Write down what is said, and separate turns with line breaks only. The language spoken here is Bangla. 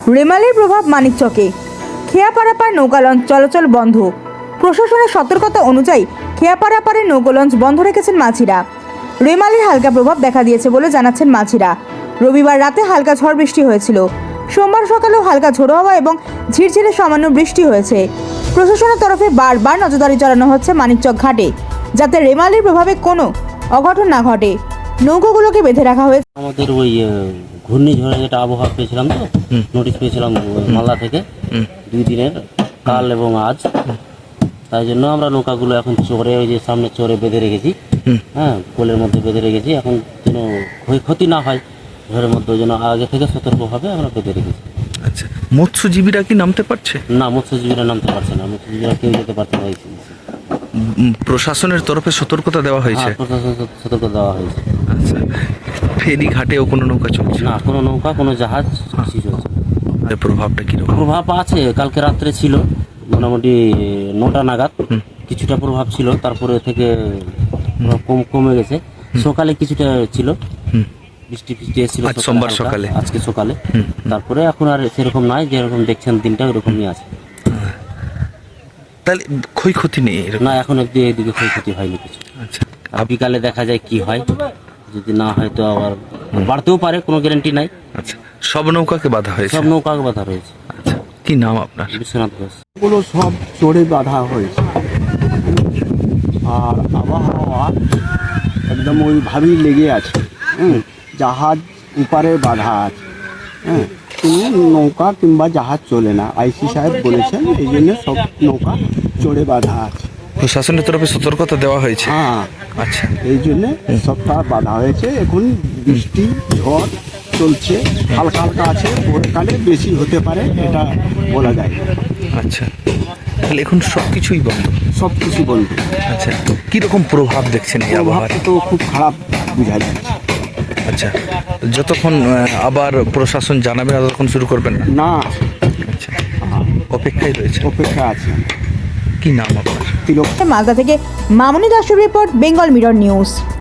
রেমালের প্রভাব মানিকচকে। খেয়াপাড়াপার নৌকা লঞ্চ চলাচল বন্ধ। প্রশাসনের সতর্কতা অনুযায়ী খেয়াপাড়াপাড়ের নৌকা লঞ্চ বন্ধ রেখেছেন মাঝিরা। রেমালের হালকা প্রভাব দেখা দিয়েছে বলে জানাচ্ছেন মাঝিরা। রবিবার রাতে হালকা ঝড় বৃষ্টি হয়েছিল। সোমবার সকালেও হালকা ঝোড়ো হাওয়া এবং ঝিরঝিরে সামান্য বৃষ্টি হয়েছে। প্রশাসনের তরফে বারবার নজরদারি চালানো হচ্ছে মানিকচক ঘাটে, যাতে রেমালের প্রভাবে কোনো অঘটন না ঘটে। নৌকাগুলোকে বেঁধে রাখা হয়েছে।
আমাদের ওই ঘূর্ণিঝড়ে যেটা আবহাওয়া পেয়েছিলাম, তো নোটিশ পেয়েছিলাম মালদা থেকে 2 দিনের, কাল এবং আজ। তাই জন্য আমরা নৌকাগুলো এখন চোরে, ওই যে সামনে চোরে বেঁধে রেখেছি। হ্যাঁ, পোলের মধ্যে বেঁধে রেখেছি, এখন যেন ক্ষয়ক্ষতি না হয় ঝড়ের মধ্যে, ওই জন্য আগে থেকে সতর্কভাবে আমরা বেঁধে রেখেছি।
আচ্ছা, মৎস্যজীবীরা কি নামতে পারছে?
না, মৎস্যজীবীরা নামতে পারছে না, মৎস্যজীবীরা কেউ যেতে পারছে না।
প্রশাসনের তরফে সতর্কতা দেওয়া হয়েছে?
হ্যাঁ, প্রশাসন সতর্ক দেওয়া হয়েছে।
আচ্ছা, ফেরি ঘাটেও কোনো নৌকা চলছে
না, কোনো নৌকা, কোনো জাহাজ কিছু চলছে না।
এর প্রভাবটা কিরকম?
প্রভাব আছে, কালকে রাত্রে ছিল মোটামুটি 9টা নাগাদ কিছুটা প্রভাব ছিল, তারপরে থেকে কমে গেছে। সকালে কিছুটা ছিল, বৃষ্টি এসেছিল
আজ সোমবার সকালে,
আজকে সকালে। তারপরে এখন আর সেরকম নাই, যেরকম দেখছেন দিনটা ওরকমই আছে।
তাহলে ক্ষয়ক্ষতি নেই এরকম?
না, এখন অব্দি এদিকে ক্ষয়ক্ষতি হয়নি কিছু।
আচ্ছা,
আর বিকালে দেখা যায় কি হয়, যদি না হয় তো আবার বাড়তেও পারে, কোনো গ্যারান্টি নাই।
আচ্ছা, সব নৌকাকে বাধা হয়েছে?
সব নৌকাকে বাধা রয়েছে।
আচ্ছা, কি নাম আপনার?
বিশ্বনাথ ঘোষ।
গুলো সব চড়ে বাঁধা হয়েছে, আর আবহাওয়া একদম ওইভাবেই লেগে আছে। জাহাজ উপারে বাঁধা আছে। কোনো নৌকা কিংবা জাহাজ চলে না, আইসি সাহেব বলেছেন, এই জন্য সব নৌকা চড়ে বাঁধা আছে।
প্রশাসনের তরফে সতর্কতা দেওয়া হয়েছে?
হ্যাঁ,
আচ্ছা,
এই জন্যে সবটা বাঁধা হয়েছে। এখন বৃষ্টি ঝড় চলছে, হালকা হালকা আছে, ভোরকালে বেশি হতে পারে, এটা বলা যায় না।
আচ্ছা, তাহলে এখন সব কিছুই বন্ধ?
সব কিছু বন্ধ।
আচ্ছা, কীরকম প্রভাব দেখছেন এই আবহাওয়ার?
প্রভাবটা তো খুব খারাপ বোঝা যাচ্ছে।
আচ্ছা, যতক্ষণ আবার প্রশাসন জানাবে ততক্ষণ শুরু করবেন না?
না,
আচ্ছা, অপেক্ষায় রয়েছে।
অপেক্ষা আছে।
কি নাম আপনার?
তিলক।
মালদা থেকে মামনি দাসের রিপোর্ট, বেঙ্গল মিরর নিউজ।